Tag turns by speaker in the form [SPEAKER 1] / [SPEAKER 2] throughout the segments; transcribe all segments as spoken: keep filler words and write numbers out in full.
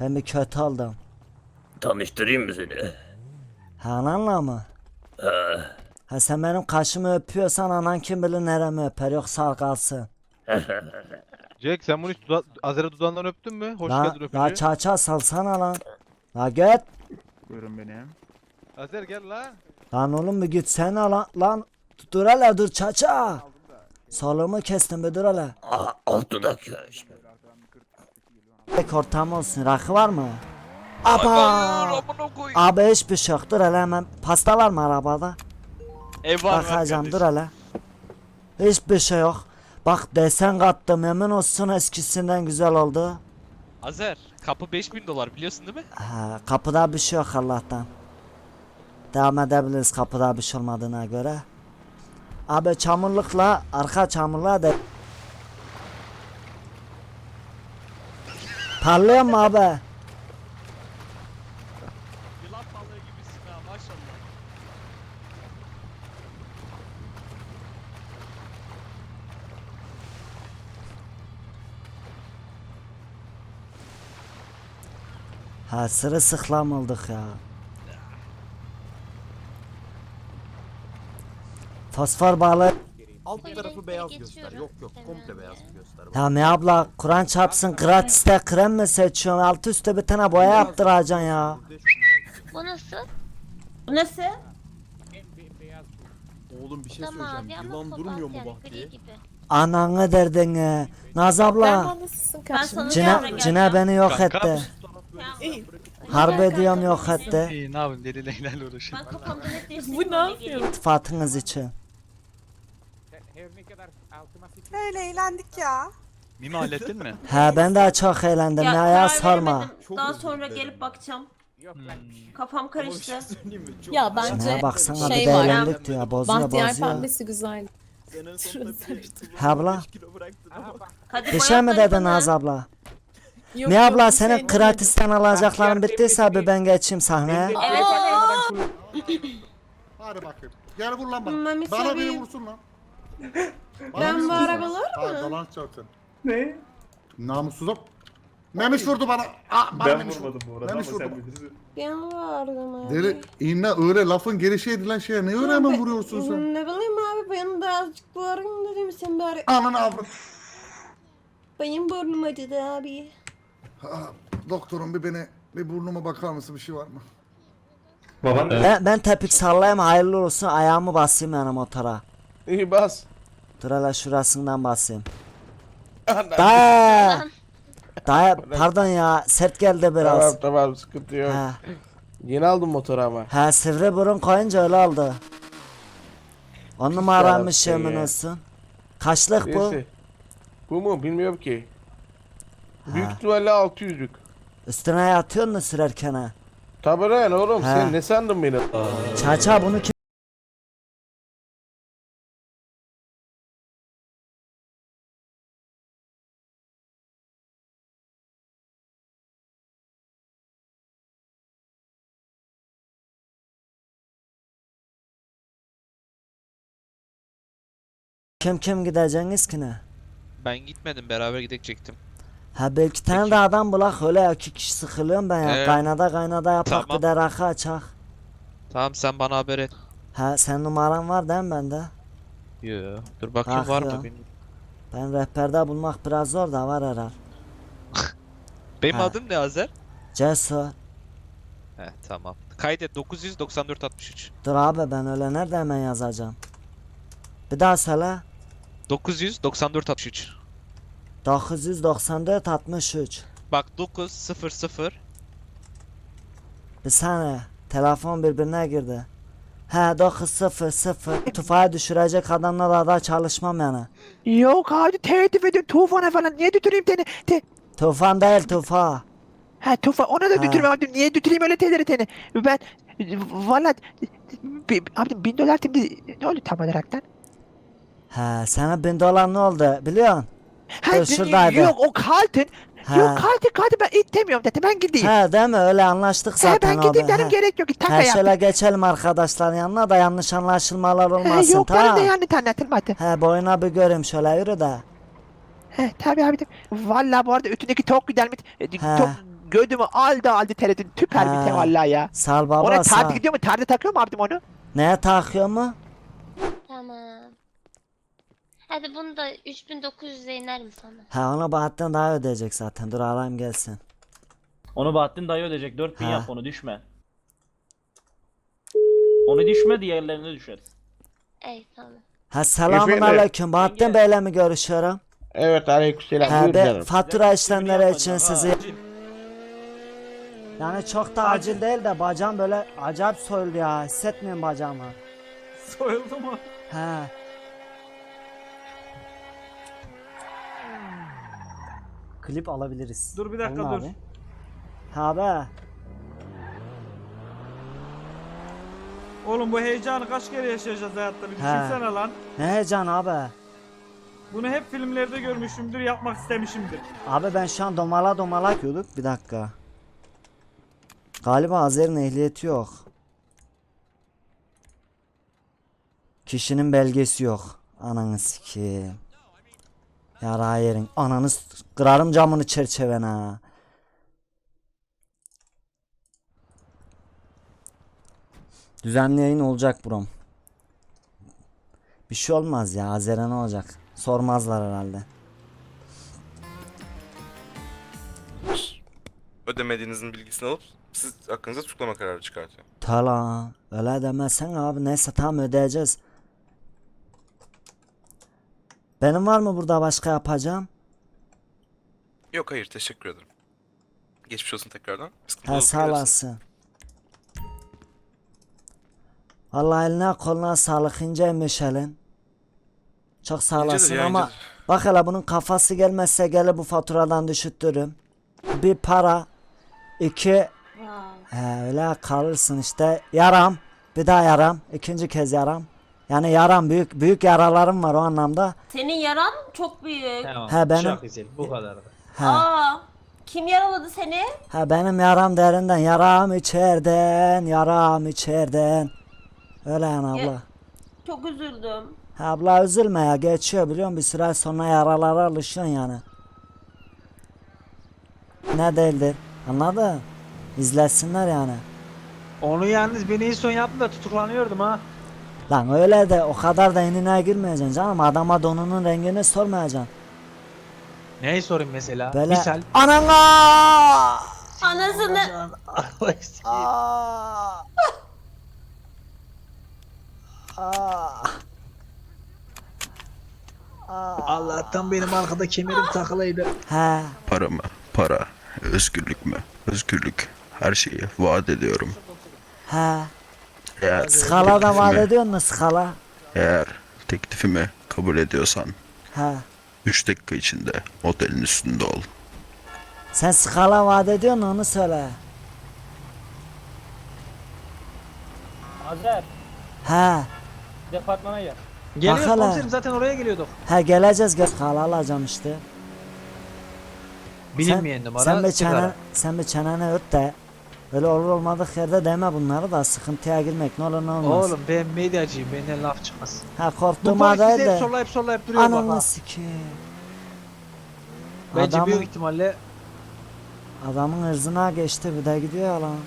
[SPEAKER 1] Ben bir kötü oldum.
[SPEAKER 2] Tanıştırayım mı seni?
[SPEAKER 1] Ha, ananla mı?
[SPEAKER 2] Ha.
[SPEAKER 1] Ha, sen benim kaşımı öpüyorsan anan kim bilir neremi öper, yoksa kalsın.
[SPEAKER 3] Jack sen bunu hiç duda Azer'e dudağından öptün mü? Hoş
[SPEAKER 1] La,
[SPEAKER 3] geldin
[SPEAKER 1] la
[SPEAKER 3] öpücü.
[SPEAKER 1] çaça salsana lan. La git.
[SPEAKER 4] Buyurun benim.
[SPEAKER 3] Azer gel la.
[SPEAKER 1] Lan oğlum bir gitsene lan. Lan dur hele dur çaça. Soluğumu kestim bir dur hele.
[SPEAKER 2] Aa, alt dudak köşk.
[SPEAKER 1] Tek ortam olsun, rakı var mı? Aba. Abi hiçbir şey yok, dur hele hemen. Pasta var mı arabada?
[SPEAKER 5] Ev var
[SPEAKER 1] Bakacağım, dur hele. Hiçbir şey yok. Bak desen kattım, emin olsun eskisinden güzel oldu.
[SPEAKER 5] Azer kapı beş bin dolar biliyorsun değil mi?
[SPEAKER 1] Ha, kapıda bir şey yok Allah'tan. Devam edebiliriz kapıda bir şey olmadığına göre. Abi çamurlukla, arka çamurluğa da... Parlıyor mu abi?
[SPEAKER 5] Yılan balığı gibisin ha maşallah.
[SPEAKER 1] Ha, sırılsıklam olduk ya. Fosfor balığı.
[SPEAKER 6] Alt
[SPEAKER 7] Koyu
[SPEAKER 6] tarafı
[SPEAKER 7] renkleri
[SPEAKER 6] beyaz
[SPEAKER 7] geçiyorum.
[SPEAKER 6] göster. Yok yok
[SPEAKER 7] Hemen
[SPEAKER 6] komple
[SPEAKER 7] de.
[SPEAKER 6] beyaz göster.
[SPEAKER 1] Ya ne abla, Kur'an çarpsın gratiste krem mi seçiyorsun? Altı üstte bir tane boya yaptıracaksın ya.
[SPEAKER 7] Bu nasıl?
[SPEAKER 8] Nasıl?
[SPEAKER 6] Oğlum bir şey
[SPEAKER 7] Da mavi
[SPEAKER 6] söyleyeceğim.
[SPEAKER 7] ama
[SPEAKER 6] Yılan
[SPEAKER 7] kobalt
[SPEAKER 6] durmuyor mu
[SPEAKER 7] yani,
[SPEAKER 6] Bahtiye?
[SPEAKER 7] gri gibi.
[SPEAKER 1] Ananı derdin. Naz abla.
[SPEAKER 8] Ben sana
[SPEAKER 1] Cine, cine beni yok
[SPEAKER 5] Kanka.
[SPEAKER 1] etti. Harbi diyorum yok etti.
[SPEAKER 5] İyi ne yapayım deli leylerle uğraşıyorum.
[SPEAKER 7] Ben kafamda net değiştirdim.
[SPEAKER 8] Bu ne yapıyor?
[SPEAKER 1] İltifatınız için.
[SPEAKER 9] Öyle eğlendik ya.
[SPEAKER 5] Mimi hallettin mi?
[SPEAKER 1] He ben de çok eğlendim ya, ya
[SPEAKER 8] karar
[SPEAKER 1] sorma.
[SPEAKER 8] veremedim.
[SPEAKER 6] Çok
[SPEAKER 8] Daha
[SPEAKER 6] özür
[SPEAKER 8] sonra
[SPEAKER 6] dilerim
[SPEAKER 8] gelip
[SPEAKER 6] ya.
[SPEAKER 8] bakacağım.
[SPEAKER 5] Hmm.
[SPEAKER 8] Kafam
[SPEAKER 6] Ama bir
[SPEAKER 8] karıştı.
[SPEAKER 6] şey söyleyeyim mi? Çok
[SPEAKER 10] Ya
[SPEAKER 6] güzel.
[SPEAKER 10] bence
[SPEAKER 1] He baksana
[SPEAKER 10] şey
[SPEAKER 1] bir de
[SPEAKER 10] var.
[SPEAKER 1] eğlendik diyor, bozuyor
[SPEAKER 10] Bahtiyar
[SPEAKER 1] bozuyor.
[SPEAKER 10] pembesi güzel.
[SPEAKER 6] Sen en sonunda bir-
[SPEAKER 1] He abla.
[SPEAKER 6] beş kilo bıraktın ama.
[SPEAKER 8] Hadi
[SPEAKER 1] Bir şey mi
[SPEAKER 8] boyatları
[SPEAKER 1] dedin
[SPEAKER 8] bana.
[SPEAKER 1] Naz abla?
[SPEAKER 10] Yok,
[SPEAKER 1] Ne
[SPEAKER 10] yok,
[SPEAKER 1] abla,
[SPEAKER 10] bir
[SPEAKER 1] senin
[SPEAKER 10] şey
[SPEAKER 1] gratisten alacakların bittiyse bir ben geçeyim sahneye.
[SPEAKER 8] Evet evet.
[SPEAKER 11] Hadi bakayım. Gel vur lan bana.
[SPEAKER 8] Mami
[SPEAKER 11] Bana biri
[SPEAKER 8] seveyim.
[SPEAKER 11] vursun lan.
[SPEAKER 8] Ben
[SPEAKER 11] biri
[SPEAKER 8] bu
[SPEAKER 11] vursun.
[SPEAKER 8] arabalar
[SPEAKER 11] Hayır,
[SPEAKER 8] mı?
[SPEAKER 11] dolan çarptın. Ne? Namussuzum. Memiş vurdu bana. Aa, ben Memiş vurmadım bu arada Memiş vurdu.
[SPEAKER 8] Ben vardım abi.
[SPEAKER 11] Deli, inne öyle lafın gelişi edilen şeye ne öyle hemen vuruyorsun sen?
[SPEAKER 8] Ne bileyim abi ben de azıcık varım dedim sen bari.
[SPEAKER 11] Ananı avrat.
[SPEAKER 8] Benim burnum acıdı abi.
[SPEAKER 11] Aa, doktorum bir beni, bir burnuma bakar mısın, bir şey var mı?
[SPEAKER 1] Ben, ben tepik sallayayım, hayırlı olsun, ayağımı basayım yani motora.
[SPEAKER 4] İyi bas.
[SPEAKER 1] Dur hele şurasından basayım. Dayı. Dayı pardon ya, sert geldi biraz.
[SPEAKER 4] Tamam tamam sıkıntı yok.
[SPEAKER 1] He,
[SPEAKER 4] Yeni aldım motoru ama.
[SPEAKER 1] he sivri burun koyunca öyle oldu. On numaraymış
[SPEAKER 4] yarattın
[SPEAKER 1] yemin
[SPEAKER 4] ya.
[SPEAKER 1] olsun. Kaçlık bu?
[SPEAKER 4] Neyse. Bu mu? Bilmiyorum ki. Büyük
[SPEAKER 1] Ha.
[SPEAKER 4] ihtimalle altı yüzlük.
[SPEAKER 1] Üstüne yatıyor mu sürerken ha?
[SPEAKER 4] Tabii lan oğlum
[SPEAKER 1] Ha.
[SPEAKER 4] sen ne sandın beni?
[SPEAKER 1] Çaça bunu kim? Kim kim gideceğiniz ki ne?
[SPEAKER 5] Ben gitmedim beraber gidecektim.
[SPEAKER 1] Ha belki tane
[SPEAKER 5] Peki.
[SPEAKER 1] de adam bulak, öyle iki kişi sıkılıyorum ben ya.
[SPEAKER 5] Ee,
[SPEAKER 1] Kaynada kaynada yapak,
[SPEAKER 5] tamam.
[SPEAKER 1] bir de rakı açak.
[SPEAKER 5] Tamam sen bana haber et.
[SPEAKER 1] Ha sen numaran var değil mi bende?
[SPEAKER 5] Yo. Dur bakayım
[SPEAKER 1] Ah
[SPEAKER 5] var
[SPEAKER 1] ya.
[SPEAKER 5] mı benim?
[SPEAKER 1] Ben rehberde bulmak biraz zor da var herhal.
[SPEAKER 5] Benim
[SPEAKER 1] Ha.
[SPEAKER 5] adım ne Azer?
[SPEAKER 1] Cesur.
[SPEAKER 5] He tamam. Kaydet dokuz yüz doksan dört altmış üç.
[SPEAKER 1] Dur abi ben öyle nerede hemen yazacağım. Bir daha söyle.
[SPEAKER 5] dokuz yüz doksan dört altmış üç.
[SPEAKER 1] dokuz yüz doksan dört altmış üç.
[SPEAKER 5] Bak dokuz sıfır sıfır.
[SPEAKER 1] Bir saniye. Telefon birbirine girdi. He dokuz sıfır sıfır. Tufağa düşürecek adamla da çalışmam yani.
[SPEAKER 4] Yok hadi tehdit edin tufana falan niye götüreyim seni? Te
[SPEAKER 1] Tufan değil tufa.
[SPEAKER 4] ha tufa ona da
[SPEAKER 1] Ha.
[SPEAKER 4] götürme abi niye götüreyim öyle tehdit seni? Ben valla bi- abi bin dolar şimdi ne oldu tam olaraktan?
[SPEAKER 1] He sana bin dolar ne oldu biliyorsun?
[SPEAKER 4] Ha,
[SPEAKER 1] Dur, şuradaydı.
[SPEAKER 4] yok o kartın.
[SPEAKER 1] Ha.
[SPEAKER 4] Yok kartın kartın ben istemiyorum dedi ben gideyim.
[SPEAKER 1] He değil mi, öyle anlaştık
[SPEAKER 4] Ha,
[SPEAKER 1] zaten
[SPEAKER 4] ben gideyim
[SPEAKER 1] abi.
[SPEAKER 4] dedim
[SPEAKER 1] He.
[SPEAKER 4] gerek yok. Taka
[SPEAKER 1] He
[SPEAKER 4] yaptım.
[SPEAKER 1] şöyle geçelim arkadaşların yanına da yanlış anlaşılmalar
[SPEAKER 4] Ha,
[SPEAKER 1] olmasın,
[SPEAKER 4] yok bana
[SPEAKER 1] tamam.
[SPEAKER 4] da yani tanıtılmadı.
[SPEAKER 1] He boyuna bir göreyim şöyle, yürü de.
[SPEAKER 4] He tabii abi. Valla bu arada üstündeki çok güzelmiş. E,
[SPEAKER 1] He.
[SPEAKER 4] Çok gödümü aldı aldı terletin tüper
[SPEAKER 1] Ha.
[SPEAKER 4] bir te vallahi ya.
[SPEAKER 1] Sal baba
[SPEAKER 4] Ona
[SPEAKER 1] sal.
[SPEAKER 4] tartı gidiyor mu? Tartı takıyor mu abim onu?
[SPEAKER 1] Neye takıyor mu?
[SPEAKER 7] Tamam. Hadi bunu da üç bin dokuz yüze iner mi sana?
[SPEAKER 1] Ha onu Bahattin daha ödeyecek zaten. Dur alayım gelsin.
[SPEAKER 10] Onu Bahattin dayı ödeyecek. dört bin
[SPEAKER 1] Ha.
[SPEAKER 10] yap onu düşme. Onu düşme diğerlerine düşer.
[SPEAKER 7] Ey tamam.
[SPEAKER 1] Ha selamun
[SPEAKER 11] Efendim?
[SPEAKER 1] aleyküm. Bahattin
[SPEAKER 10] Yenge.
[SPEAKER 1] Bey'le mi görüşüyorum?
[SPEAKER 4] Evet aleykümselam.
[SPEAKER 1] Ha be, fatura
[SPEAKER 10] Güzel
[SPEAKER 1] işlemleri
[SPEAKER 10] yapacağım,
[SPEAKER 1] için
[SPEAKER 10] ha,
[SPEAKER 1] sizi.
[SPEAKER 10] acil.
[SPEAKER 1] Yani çok da acil değil de bacağım böyle acayip soyuldu ya. Hissetmiyorum bacağımı.
[SPEAKER 10] Soyuldu mu?
[SPEAKER 1] He. Klip alabiliriz.
[SPEAKER 10] Dur bir dakika,
[SPEAKER 1] Alın
[SPEAKER 10] dur.
[SPEAKER 1] abi. Ha be.
[SPEAKER 10] Oğlum bu heyecanı kaç kere yaşayacağız hayatta bir
[SPEAKER 1] düşünsene
[SPEAKER 10] lan.
[SPEAKER 1] Ne heyecan abi.
[SPEAKER 10] Bunu hep filmlerde görmüşümdür, yapmak istemişimdir.
[SPEAKER 1] Abi ben şu an domala domala yapıyorduk. Bir dakika. Galiba Azer'in ehliyeti yok. Kişinin belgesi yok. Ananı sikeyim. Yara yerin. Ananı s- kırarım camını çerçevene ha. Düzenli yayın olacak brom. Bir şey olmaz ya. Azer'e ne olacak? Sormazlar herhalde.
[SPEAKER 6] Ödemediğinizin bilgisini alıp siz hakkınızda tutuklama kararı çıkartıyor.
[SPEAKER 1] Tala öyle demezsen abi, neyse tamam ödeyeceğiz. Benim var mı burada başka yapacağım?
[SPEAKER 6] Yok hayır teşekkür ederim. Geçmiş olsun tekrardan. Sıkıntı
[SPEAKER 1] He
[SPEAKER 6] olursa
[SPEAKER 1] sağ
[SPEAKER 6] gelirsiniz.
[SPEAKER 1] olasın. Vallahi eline koluna sağlık, inceymiş elin. Çok sağ
[SPEAKER 6] İncedir
[SPEAKER 1] olasın
[SPEAKER 6] ya,
[SPEAKER 1] ama
[SPEAKER 6] incedir.
[SPEAKER 1] bak hele bunun kafası gelmezse gelir bu faturadan düşüttürüm. Bir para, iki he, öyle kalırsın işte, yaram, bir daha yaram, ikinci kez yaram. Yani yaram, büyük büyük yaralarım var o anlamda.
[SPEAKER 8] Senin yaran çok büyük.
[SPEAKER 1] He benim
[SPEAKER 10] güzel, bu kadar.
[SPEAKER 1] he,
[SPEAKER 8] Aa, kim yaraladı seni?
[SPEAKER 1] he benim yaram derinden, yaram içeriden, yaram içeriden. Öyle yani
[SPEAKER 8] Ya-
[SPEAKER 1] abla.
[SPEAKER 8] Çok üzüldüm.
[SPEAKER 1] Ha abla üzülme ya, geçiyor biliyor musun, bir süre sonra yaralara alışıyorsun yani. Ne değildir, anladın? İzlesinler yani.
[SPEAKER 10] Onu yalnız beni en son yaptım da tutuklanıyordum ha.
[SPEAKER 1] Lan öyle de o kadar da enine girmeyeceksin canım, adama donunun rengini sormayacaksın.
[SPEAKER 10] Neyi sorayım mesela?
[SPEAKER 1] Böyle
[SPEAKER 10] Misal.
[SPEAKER 1] anana.
[SPEAKER 8] Anasını...
[SPEAKER 1] Aa! Aa!
[SPEAKER 10] Allah'tan benim arkada kemerim takılıydı.
[SPEAKER 1] He,
[SPEAKER 2] Para mı? Para. Özgürlük mü? Özgürlük. Her şeyi vaat ediyorum.
[SPEAKER 1] he.
[SPEAKER 2] Eğer
[SPEAKER 1] Skala da vaat
[SPEAKER 2] teklifimi-
[SPEAKER 1] ediyor mu skala?
[SPEAKER 2] Eğer teklifimi kabul ediyorsan
[SPEAKER 1] He.
[SPEAKER 2] üç dakika içinde otelin üstünde ol.
[SPEAKER 1] Sen skala vaat ediyor musun, onu söyle.
[SPEAKER 10] Azer,
[SPEAKER 1] He.
[SPEAKER 10] departmana gel.
[SPEAKER 1] Bak
[SPEAKER 10] Geliyoruz
[SPEAKER 1] hele.
[SPEAKER 10] komiserim, zaten oraya geliyorduk.
[SPEAKER 1] He geleceğiz, gel skala alacağım işte.
[SPEAKER 10] Bilinmeyen
[SPEAKER 1] sen,
[SPEAKER 10] numara.
[SPEAKER 1] Sen bir
[SPEAKER 10] sigara.
[SPEAKER 1] çenen, sen bir çeneni öt de. Öyle olur olmadık yerde deme bunları da, sıkıntıya girmek ne olur ne olmaz.
[SPEAKER 10] Oğlum ben medyacıyım, benden laf çıkmaz.
[SPEAKER 1] Ha
[SPEAKER 10] Bu
[SPEAKER 1] korktuğuma
[SPEAKER 10] polis
[SPEAKER 1] değil
[SPEAKER 10] bizi hep
[SPEAKER 1] de.
[SPEAKER 10] sollayıp sollayıp duruyor bak ha.
[SPEAKER 1] Ananı sikeyim.
[SPEAKER 10] Bence
[SPEAKER 1] Adamın,
[SPEAKER 10] büyük ihtimalle
[SPEAKER 1] adamın ırzına geçti, bir de gidiyor ya lan.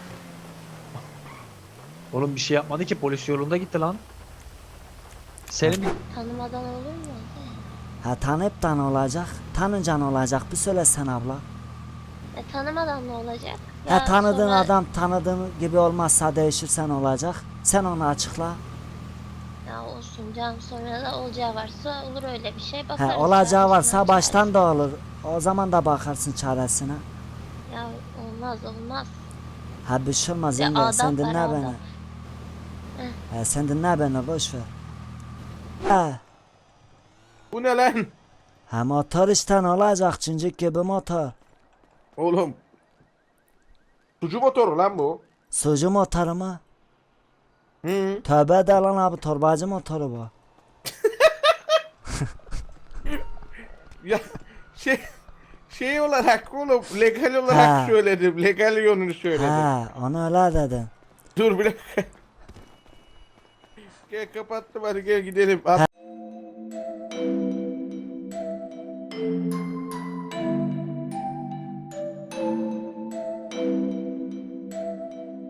[SPEAKER 10] oğlum bir şey yapmadı ki, polis yolunda gitti lan. Senin bir
[SPEAKER 7] Tanımadan olur mu?
[SPEAKER 1] Ha tanıyıp da ne olacak? Tanınca ne olacak? Bir söylesen abla.
[SPEAKER 7] E, tanımadan ne olacak?
[SPEAKER 1] Ha
[SPEAKER 7] Ya
[SPEAKER 1] tanıdığın
[SPEAKER 7] sonra-
[SPEAKER 1] adam tanıdığın gibi olmazsa değişirse ne olacak? Sen onu açıkla.
[SPEAKER 7] Ya olsun canım, sonra da olacağı varsa olur öyle bir şey. Bakarız
[SPEAKER 1] Ha
[SPEAKER 7] ya,
[SPEAKER 1] olacağı varsa
[SPEAKER 7] üstüne
[SPEAKER 1] baştan da olur. O zaman da bakarsın çaresine.
[SPEAKER 7] Ya olmaz olmaz.
[SPEAKER 1] Ha bir şey olmaz
[SPEAKER 7] Ya
[SPEAKER 1] yenge,
[SPEAKER 7] adam
[SPEAKER 1] sen dinle
[SPEAKER 7] var,
[SPEAKER 1] beni.
[SPEAKER 7] adam.
[SPEAKER 1] Ha, sen dinle beni, boş ver. Ha,
[SPEAKER 11] Bu ne lan?
[SPEAKER 1] ha motor işte, ne olacak, cincik gibi motor.
[SPEAKER 11] Oğlum. Sucu motoru lan bu.
[SPEAKER 1] Sucu motoru mu?
[SPEAKER 11] Hı.
[SPEAKER 1] Tövbe de lan abi, torbacı motoru bu.
[SPEAKER 11] Ya şey şey olarak oğlum legal olarak
[SPEAKER 1] Ha.
[SPEAKER 11] söyledim. Legal yönünü söyledim.
[SPEAKER 1] Ha onu öyle dedin.
[SPEAKER 11] Dur bir dakika. Gel kapattım, hadi gel gidelim. At-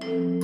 [SPEAKER 7] Bye.